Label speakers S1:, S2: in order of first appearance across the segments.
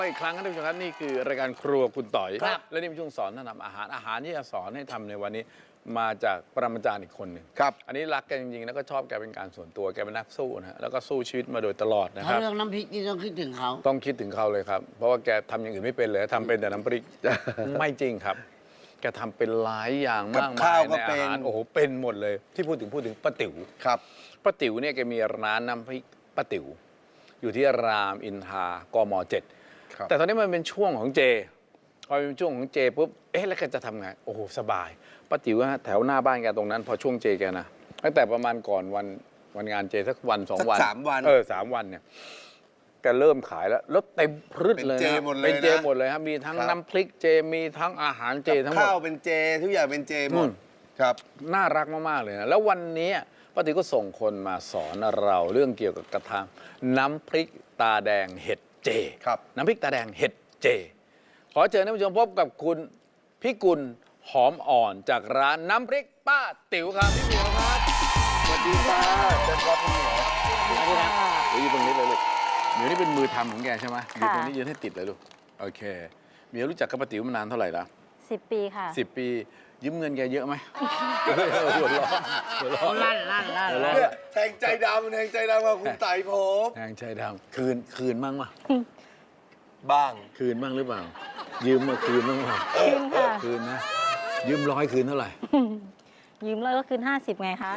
S1: อีกครั้งนะท่านผู้ชมครับนี่คือรายการครัวคุณต่อยและนี่เป็นช่วงสอนท่านทำอาหารที่จะสอนให้ทำในวันนี้มาจากปรมาจารย์อีกคนหนึ่งครับอันนี้รักแกจริงๆแล้วก็ชอบแกเป็นการส่วนตัวแกเป็นนักสู้นะแล้วก็สู้ชีวิตมาโดยตลอดนะครับ
S2: ถ้าเรื่องน้ำพริกนี่ต้องคิดถึงเขา
S1: ต้องคิดถึงเขาเลยครับเพราะว่าแกทำอย่างอื่นไม่เป็นเลยทำเป็นแต่น้ำพริก ไม่จริงครับแกทำเป็นหลายอย่างมากมายในอาหารโอ้โหเป็นหมดเลยที่พูดถึงป้าติ๋วครับป้าติ๋วเนี่ยแกมีร้านน้ำพริกป้าติ๋วอยู่ที่รามอินทรากม.7แต่ตอนนี้มันเป็นช่วงของเจพอเป็นช่วงของเจปุ๊บแล้วแกจะทำไงโอ้โหสบายป้าติ๋วฮะแถวหน้าบ้านแกตรงนั้นพอช่วงเจแกนะตั้งแต่ประมาณก่อนวันงานเจสักวัน2 วัน
S3: 3 วัน
S1: 3 วันเนี่ยแกเริ่มขายแล้วเต็มพรึดเลยนะเป็นเจหมดเลยครับมีทั้งน้ำพริกเจมีทั้งอาหารเจทั้งหมด
S3: ข้าวเป็นเจทุกอย่างเป็นเจหมดครับ
S1: น่ารักมากๆเลยนะแล้ววันนี้ป้าติ๋วก็ส่งคนมาสอนเราเรื่องเกี่ยวกับกระทะน้ำพริกตาแดงเห็ดเจ
S3: ครับ
S1: น้ำพริกตาแดงเห็ดเจขอเชิญท่านผู้ชมพบกับคุณพิกุลหอมอ่อนจากร้านน้ำพริกป้าติ๋วครับพี่เหมียวครับ
S3: สวัสดีค่ะเชิญครับพี่เหมียว
S1: อยู่ตรงนี้เลยลูกเหมียวนี่เป็นมือทำของแกใช่ไหมอยู่ตรงนี้ยืนให้ติดเลยลูกโอเคเหมียวรู้จักกับป้าติ๋วมานานเท่าไหร่ละ
S4: 10 ปีค่ะ
S1: 10 ปียืมเงินแกเยอะไหมหัวเราะ
S2: ลั่น
S3: แทงใจดำกับคุณไต่ผม
S1: แทงใจดำคืนบ้างมั้ย
S3: บ้าง
S1: คืนบ้างหรือเปล่ายืมมาคืนบ้างเปล่า
S4: คืนค่ะ
S1: คืนนะยืม100คืนเท่าไหร่
S4: ยืม100ก็คืน50ไงคะ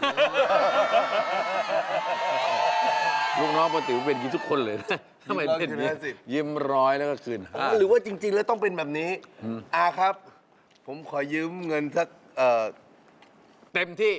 S1: ลูกน้องป้าติ๋วเป็นอย่างนี้ทุกคนเลยนะทำไมเป็นยืม100แล้วก็คืน
S3: หรือว่าจริงๆแล้วต้องเป็นแบบนี้ครับผมขอยืมเงินสัก
S1: เต็มที่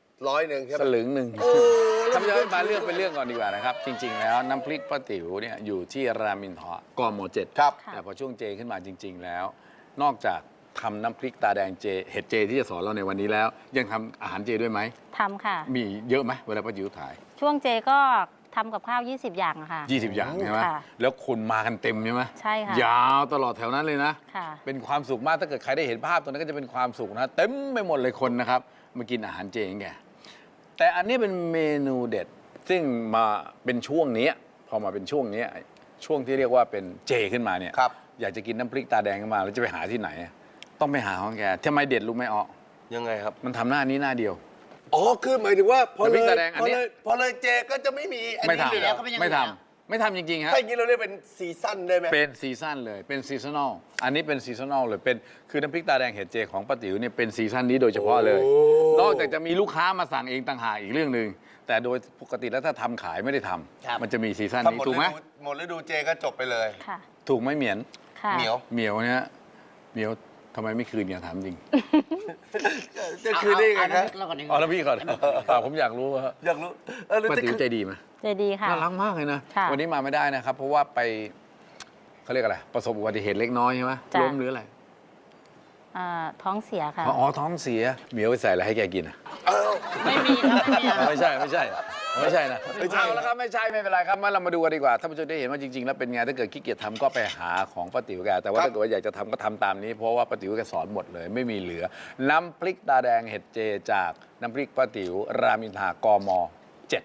S3: 100ครับ
S1: สลึงหนึ่งทำย้อนมาเรื่องเป็นเรื่องก่อนดีกว่านะครับจริงๆแล้วน้ำพริกป้าติ๋วเนี่ยอยู่ที่รามอินทรากม.7
S3: ครับ
S1: แต่พอช่วงเจขึ้นมาจริงๆแล้วนอกจากทำน้ำพริกตาแดงเจเห็ดเจที่จะสอนเราในวันนี้แล้วยังทำอาหารเจด้วยไหม
S4: ทำค่ะ
S1: มีเยอะไหมเวลาป้าติ๋วถ่าย
S4: ช่วงเจก็ทำกับข้าว20 อย่างอะค่ะ
S1: 20 อย่างใช่ไหมแล้วคนมากันเต็มใช่ไหม
S4: ใช่ค่ะ
S1: ยาวตลอดแถวนั้นเลยนะ
S4: ค่ะ
S1: เป็นความสุขมากถ้าเกิดใครได้เห็นภาพตรงนั้นก็จะเป็นความสุขนะเต็มไปหมดเลยคนนะครับมากินอาหารเจอย่างแกแต่อันนี้เป็นเมนูเด็ดซึ่งมาเป็นช่วงนี้พอมาเป็นช่วงนี้ช่วงที่เรียกว่าเป็นเจขึ้นมาเนี่ยอยากจะกินน้ำพริกตาแดงขึ้นมาแล้วจะไปหาที่ไหนต้องไปหาของแกทำไมเด็ดรู้ไหมอ๋อ
S3: ยังไงครับ
S1: มันทำหน้านี้หน้าเดียว
S3: คือหมายถึงว่าพอเลยเจก็จะไม่มี
S1: ไม่ทำจริงๆฮะ
S3: ถ้าอย่างนี้เราเรียกเป็นซีซั่นได้ไหม
S1: เป็นซีซั่นเลยเป็นซีซันอลอันนี้เป็นซีซันอลเลยเป็นคือน้ำพริกตาแดงเห็ดเจของป้าติ๋วเนี่ยเป็นซีซั่นนี้โดยเฉพาะเลยนอกจากจะมีลูกค้ามาสั่งเองต่างหากอีกเรื่องนึงแต่โดยปกติแล้วถ้าทำขายไม่ได้ทำมันจะมีซีซั่นนี้ถูกไหม
S3: หมดฤดูเจก็จบไปเลย
S1: ถูกไหมเหมียน
S3: เห
S1: มียวเนี่ยเหมียวทำไมไม่คืนเนี่ยถามจริง
S3: จะคืนได้ไงครับ
S1: แล้วพี่ก่อนผมอยากรู้ว่าป้าติ๋วใจดีไหม
S4: ใจดีค่ะ
S1: น่ารักมากเลยนะวันนี้มาไม่ได้นะครับเพราะว่าไปเขาเรียกอะไรประสบอุบัติเหตุเล็กน้อยใช่ไหมล้มหรืออะไร
S4: ท้องเสียค่ะ
S1: ท้องเสียเหมียวไปใส่อะไรให้แกกิน
S2: ไม่มีครับ
S1: ไม่ใช่นะเอาแล้วครับไม่ใช่ไม่เป็นไรครับมาเรามาดูกันดีกว่าท่านผู้ชมได้เห็นว่าจริงๆแล้วเป็นไงถ้าเกิดขี้เกียจทำก็ไปหาของป้าติ๋วแกแต่ว่าถ้าเกิดว่าอยากจะทำก็ทำตามนี้เพราะว่าป้าติ๋วแกสอนหมดเลยไม่มีเหลือน้ำพริกตาแดงเห็ดเจจากน้ำพริกป้าติ๋วรามอินทรากม.7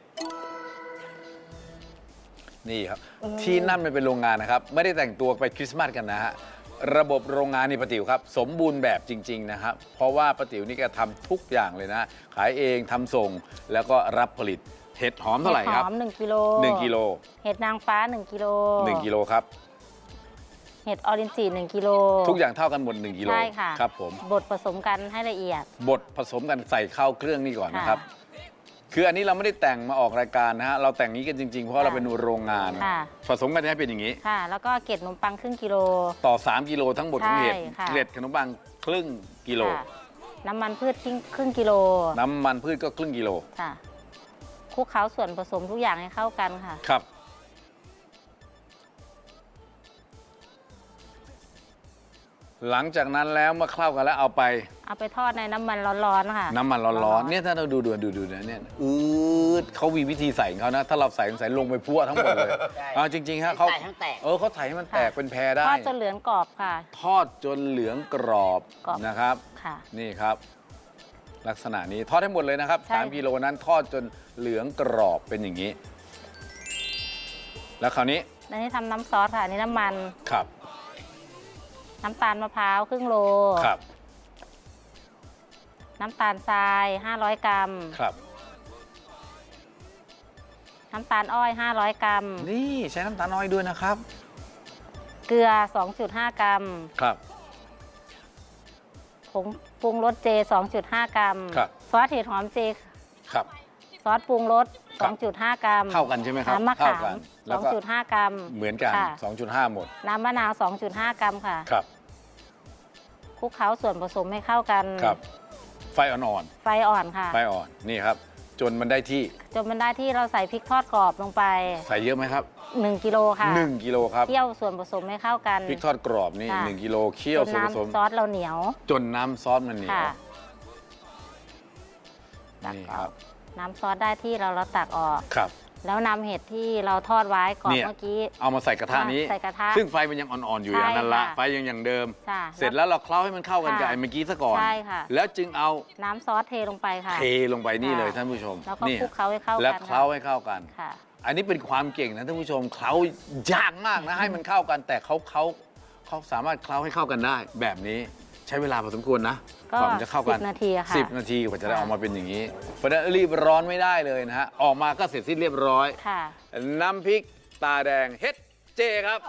S1: นี่ครับที่นั่นมันเป็นโรงงานนะครับไม่ได้แต่งตัวไปคริสต์มาสกันนะฮะระบบโรงงานนี่ป้าติ๋วครับสมบูรณ์แบบจริงๆนะครับเพราะว่าป้าติ๋วนี่แกทำทุกอย่างเลยนะขายเองทำส่งแล้วก็รับผลิตเห็ดหอมเท่าไหร่ครับ
S4: เห็ดหอม1 กิโล
S1: 1 กิโล
S4: เห็ดนางฟ้า1 กิโล
S1: 1 กิโลครับ
S4: เห็ดออรินจิ1 กิโล
S1: ทุกอย่างเท่ากันหมด1 กิโล
S4: ใช่ค่ะ
S1: ครับผม
S4: บดผสมกันให้ละเอียด
S1: บดผสมกันใส่เข้าเครื่องนี่ก่อนนะครับคืออันนี้เราไม่ได้แต่งมาออกรายการนะฮะเราแต่งนี้กันจริงๆเพราะเราเป็นโรงงานผสมกันให้เป็นอย่างนี้
S4: ค่ะแล้วก็เกล็ดขนมปังครึ่งกิโล
S1: ต่อ3 กิโลทั้งหมดของเห็ดเกล็ดขนมปังครึ่งกิโล
S4: น้ำมันพืชครึ่งกิโล
S1: น้ำมันพืชก็ครึ่งกิโล
S4: ค่ะคลุกเคล้าส่วนผสมทุกอย่างให้เข้ากันค่ะ
S1: ครับหลังจากนั้นแล้วเมื่อเข้ากันแล้วเอาไป
S4: ทอดในน้ำมันร้อนๆค่ะ
S1: น้ำมันร้อนๆเนี่ยถ้าเราดูนะเนี่ยเขามีวิธีใส่ของเขานะถ้าเราใส่ลงไปพั่วทั้งหมดเลยจริงๆฮะเขาเขาใส่ให้มันแตกเป็นแพรได้
S4: ทอดจนเหลืองกรอบค่ะ
S1: ทอดจนเหลืองกรอบนะครับนี่ครับลักษณะนี้ทอดให้หมดเลยนะครับ3 กิโลนั้นทอดจนเหลืองกรอบเป็นอย่างนี้แล้วคราวนี้
S4: อันนี้ทำน้ำซอสค่ะอันนี้น้ำมัน
S1: ครับ
S4: น้ำตาลมะพร้าวครึ่งโล
S1: ครับ
S4: น้ำตาลทราย500 กรัม
S1: ครับ
S4: น้ำตาลอ้อย500 กรัม
S1: นี่ใช้น้ำตาลน้อยด้วยนะครับ
S4: เกลือ 2.5 กรัม
S1: ครับ
S4: ผงปรุงรสเจ 2.5 กรัม
S1: ครับ
S4: ซอสเห็ดหอมเจ
S1: ครับ
S4: ซอสปรุงรส
S1: ครับ
S4: 2.5 กรัม
S1: เท่ากันใช่ไหมครับ
S4: น้ำมะ
S1: เท่า
S4: ขาม
S1: กันแล้วก็
S4: 2.5 กรัม
S1: เหมือนกัน
S4: ค่ะ
S1: 2.5 หมด
S4: น้ำมะนาว 2.5 กรัมค่ะ
S1: ครับ
S4: คลุกเคล้าส่วนผสมให้เข้ากัน
S1: ครับ ไฟอ่อน
S4: ไฟอ่อนค่ะ
S1: ๆ ไฟอ่อน นี่ครับ จนมันได้ที่
S4: จนมันได้ที่เราใส่พริกทอดกรอบลงไป
S1: ใส่เยอะไหมครับ
S4: 1 กิโลค่ะ
S1: 1 กิโลครับ
S4: เคี่ยวส่วนผสมให้เข้ากัน
S1: พริกทอดกรอบนี่
S4: ค่ะ
S1: 1 กิโลเคี่ย
S4: จ
S1: วน ส่วนผสม
S4: น้ำซอสเราเหนียว
S1: จนน้ำซอสมันเหนียว
S4: ค่ะ
S1: นี่ครับ
S4: น้ำซอสได้ที่เราตักออก
S1: ครับ
S4: แล้วนำเห็ดที่เราทอดไว้ก่อน
S1: เนี่ย
S4: เมื่อกี้
S1: เอามาใส่กระทะนี้
S4: ใส่กระทะ
S1: ซึ่งไฟมันยังอ่อนๆอยู่
S4: ใช่
S1: อย่างนั้นละ
S4: ค่ะ
S1: ไฟยังอย่างเดิม
S4: ใช่
S1: เสร็จแล้วเราเคล้าให้มันเข้ากันกับ
S4: ค่ะ
S1: ไอ้เมื่อกี้ซะก่อน
S4: ใช่ค่ะ
S1: แล้วจึงเอา
S4: น้ำซอสเทลงไปค่ะ
S1: เทลงไปนี่เลย
S4: ค่ะ
S1: ท่านผู้ชม
S4: แล้วก็
S1: นี่
S4: คลุกเคล้าให้เข้ากัน
S1: แล้ว
S4: ค่ะ
S1: เคล้าให้เข้ากัน
S4: ค่ะ
S1: อันนี้เป็นความเก่งนะท่านผู้ชมเคล้ายากมากนะให้มันเข้ากัน แต่เขาสามารถเคล้าให้เข้ากันได้ แบบนี้ใช้เวลาพอสมควรนะ
S4: ก็
S1: กว่ามันจะเข้ากัน
S4: 10 นาทีอะค่ะ
S1: 10 นาทีกว่าจะได้
S4: ค่ะ
S1: ออกมาเป็นอย่างนี้เพราะฉะนั้นรีบร้อนไม่ได้เลยนะฮะออกมาก็เสร็จสิ้นเรียบร้อย
S4: ค่ะ
S1: น้ำพริกตาแดงเฮ็ดเจครับ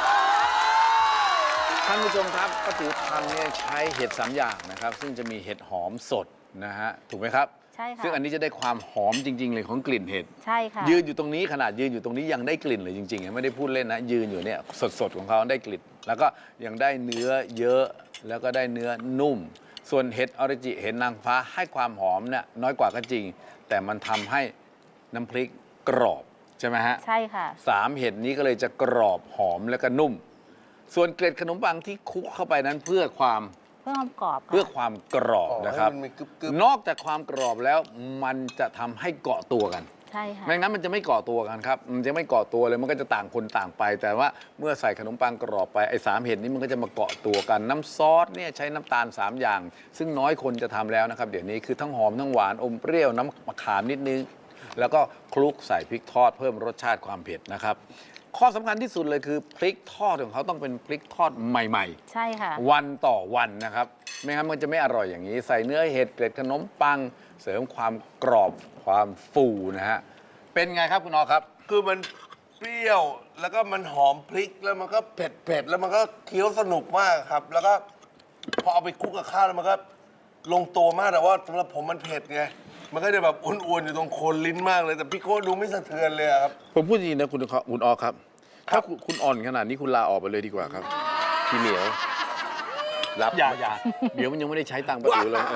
S1: ท่านผู้ชมครับป้าติ๋วทำเนี่ยใช้เห็ด3อย่างนะครับ ซึ่งจะมีเห็ดหอมสดนะฮะถูกไหมครับ
S4: ใช่ค่ะ
S1: ซึ่งอันนี้จะได้ความหอมจริง ๆ เลยของกลิ่นเห็ด
S4: ใช่ค่ะ
S1: ยืนอยู่ตรงนี้ขนาดยืนอยู่ตรงนี้ยังได้กลิ่นเลยจริงๆไม่ได้พูดเล่นนะยืนอยู่เนี่ยสดๆของเขาได้กลิ่น แล้วก็ยังได้เนื้อเยอะแล้วก็ได้เนื้อนุ่ม ส่วนเห็ดออริจิเห็ดนางฟ้าให้ความหอมเนี่ยน้อยกว่าก็จริง แต่มันทำให้น้ำพริกกรอบใช่ไหมฮะ
S4: ใช่ค่ะ
S1: 3 เห็ดนี้ก็เลยจะกรอบหอมแล้วก็นุ่ม ส่วนเกล็ดขนมปังที่คลุกเข้าไปนั้นเพื่อความ
S4: เพื่อความกรอบค่ะ
S1: เพื่อความกรอบนะครับ
S3: ให้มันมีกรึบ
S1: นอกจากความกรอบแล้วมันจะทำให้เกาะตัวกัน
S4: ใช่ค่ะ
S1: ไม่งั้นมันจะไม่เกาะตัวกันครับ มันจะไม่เกาะตัวเลย มันก็จะต่างคนต่างไป แต่ว่าเมื่อใส่ขนมปังกรอบไป ไอ้3 เห็ดนี้มันก็จะมาเกาะตัวกัน น้ำซอสเนี่ยใช้น้ำตาล 3 อย่าง ซึ่งน้อยคนจะทำแล้วนะครับ เดี๋ยวนี้คือทั้งหอมทั้งหวานอมเปรี้ยวน้ำมะขามนิดนึง แล้วก็คลุกใส่พริกทอดเพิ่มรสชาติความเผ็ดนะครับ ข้อสำคัญที่สุดเลยคือพริกทอดของเขาต้องเป็นพริกทอดใหม่ๆ
S4: ใช่ค่ะ
S1: วันต่อวันนะครับ ไม่งั้นมันจะไม่อร่อยอย่างนี้ ใส่เนื้อเห็ดเกล็ดขนมปัง เสริมความกรอบความฟูนะฮะ เป็นไงครับคุณออครับ
S3: คือมันเปรี้ยวแล้วก็มันหอมพริกแล้วมันก็เผ็ดแล้วมันก็เคี้ยวสนุกมากครับ แล้วก็พอเอาไปคลุกกับข้าวแล้วมันก็ลงตัวมากแต่ว่าสำหรับผมมันเผ็ดไงมันก็จะแบบอ้วนๆอยู่ตรงโคนลิ้นมากเลยแต่พี่โก้ดูไม่สะเทือนเลยอะครับ
S1: ผมพูดจริงนะคุณออครับ ถ้าคุณอ่อนขนาดนี้คุณลาออกไปเลยดีกว่าครับ
S3: พี่เหมียว
S1: รับอย่าเดี๋ยวมันยังไม่ได้ใช้ตังค์ป้าติ๋วเลย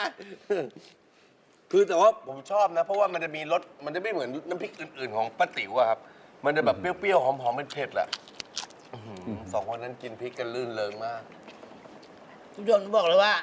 S3: คือแต่ว่าผมชอบนะ เพราะว่ามันจะมีรสมันจะไม่เหมือนน้ำพริกอื่น ๆ ของป้าติ๋วอะครับ มันจะแบบเปรี้ยวๆหอมๆเผ็ดๆแหละสองคนนั้นกินพริกกันลื่นเริงมาก
S2: คุณผู้ชมบอกเลยว่า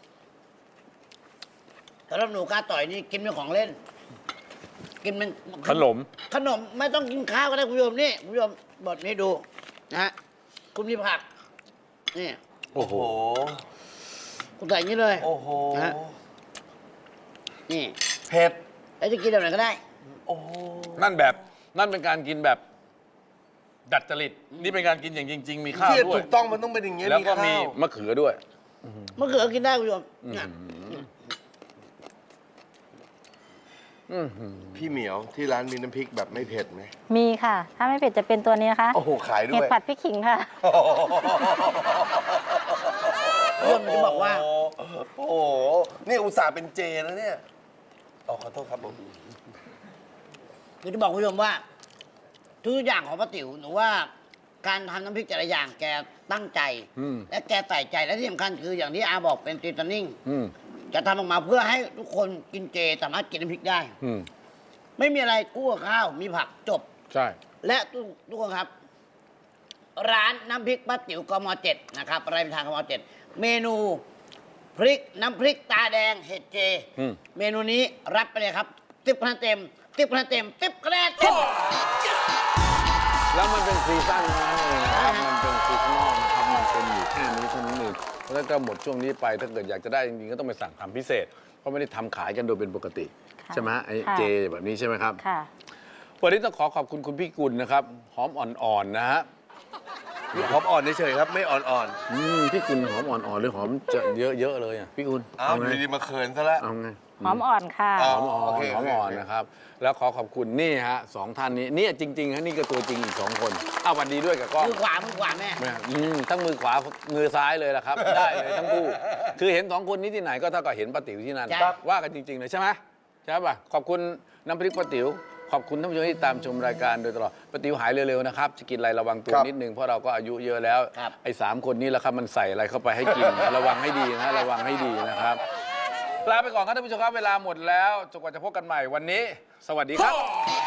S2: สำหรับหนูกล้าต่อยนี่กินเป็นของเล่น กินเป็น
S1: ขนม
S2: ขนมไม่ต้องกินข้าวก็ได้คุณผู้ชมนี่คุณผู้ชมบทนี้ดูนะฮะคุณมีผักนี่
S3: โอ้โห
S2: คุณใส่อย่างนี้เลย
S3: โอ้โห
S2: นะฮะ นี่
S3: เผ็ด
S2: แล้วจะกินแบบไหนก็ได้
S3: โอ้โห
S1: นั่นเป็นการกินแบบดัดจริต นี่เป็นการกินอย่างจริง ๆ มีข้าว
S3: ที่
S1: ด้วย
S3: ถูกต้องมันต้องเป็นอย่างเงี้ย
S1: แล้วก็มี
S3: ข้าว
S1: มะเขือด้วย
S2: มะเขือกินได้คุณผู้ชมเนี่ย
S3: พี่เหมียวที่ร้านมีน้ำพริกแบบไม่เผ็ดไหม
S4: มีค่ะ ถ้าไม่เผ็ดจะเป็นตัวนี้นะคะ
S3: โอ้โหขายด้
S4: เห็ด
S3: วย
S4: ผัดพริกขิงค่ะ
S2: คุณผู้ชมจะบอกว่า
S3: โอ้โห นี่อุตส่าห์เป็นเจแล้วเนี่ยอ๋อขอโทษครับผม
S2: คือจะบอกคุณผู้ชมว่า ทุกอย่างของป้าติ๋วหนูว่าการทำน้ำพริกแต่ละอย่างแกตั้งใจ
S1: อืม
S2: และแกใส่ใจและที่สำคัญคืออย่างที่อาบอกเป็นซีซันนิ่ง
S1: อืม
S2: จะทำออกมาเพื่อให้ทุกคนกินเจสามารถกินน้ำพริกได้
S1: อืม
S2: ไม่มีอะไรกู้กับข้าวมีผักจบ
S1: ใช่
S2: และทุกคนครับ ร้านน้ำพริกป้าติ๋วกม7นะครับรายทางกม7เมนูพริกน้ำพริกตาแดงเห็ดเจ เมนูนี้รับไปเลยครับ10 คะแนนเต็ม10 คะแนนเต็ม10 คะแนนเต็ม
S1: แล้วมันเป็นซีซั่นนั้นเองนะครับ มันเป็นซีซั่นนอกนะครับ มันเป็นอยู่แค่นี้เท่านั้นเองแล้วก็หมดช่วงนี้ไป ถ้าเกิดอยากจะได้จริงๆ ก็ต้องไปสั่งทำพิเศษ เพราะไม่ได้ทำขายกันโดยเป็นปกติ
S4: ค่ะ
S1: ใช่ไหมฮะไอ้
S4: ค่ะ
S1: เจแบบนี้ใช่ไหมครับ
S4: ค่ะ
S1: วันนี้ต้องขอบคุณคุณพี่กุลนะครับหอมอ่อนๆนะฮะ
S3: หอมอ่อนเฉยๆครับ ไม่อ่อน
S1: พี่กุลหอมอ่อนๆหรือหอมจะเยอะๆเลยอ่ะพี่กุล
S3: ๆอ้าวอยู่ดีๆมาเขินซะแล้ว
S1: เอาไง
S4: หอมอ่อนค่ะ
S3: อ๋
S1: หอมอ่อน
S3: โอเค
S1: หอมอ่อนนะครับ แล้วขอบคุณนี่ฮะสองท่านนี้เนี่ยจริงๆฮะนี่ก็ตัวจริงอีก2 คนอ้าวสวัสดีด้วยกับกล้อง
S2: มือขวาแม่
S1: ทั้งมือขวามือซ้ายเลยล่ะครับ ได้เลยทั้งคู่คือเห็น2 คนนี้ที่ไหนก็เท่ากับเห็นป้าติ๋วที่นั่น
S2: ใช่
S1: ว่ากันจริงๆเลยใช่ไหมใช่ป่ะขอบคุณน้ำพริกป้าติ๋วขอบคุณท่านผู้ชมที่ตามชมรายการโดยตลอดป้าติ๋วหายเร็วๆนะครับจะกินอะไรระวังตัวนิดนึงเพราะเราก็อายุเยอะแล้ว
S2: ครับ
S1: ไอ้3 คนนี้แหละครับมันใส่อะไรเข้าไปให้กิน ระวังให้ดีนะระวังให้ดีนะครับลาไปก่อนครับท่านผู้ชมครับเวลาหมดแล้วจนกว่าจะพบกันใหม่วันนี้ สวัสดีครับ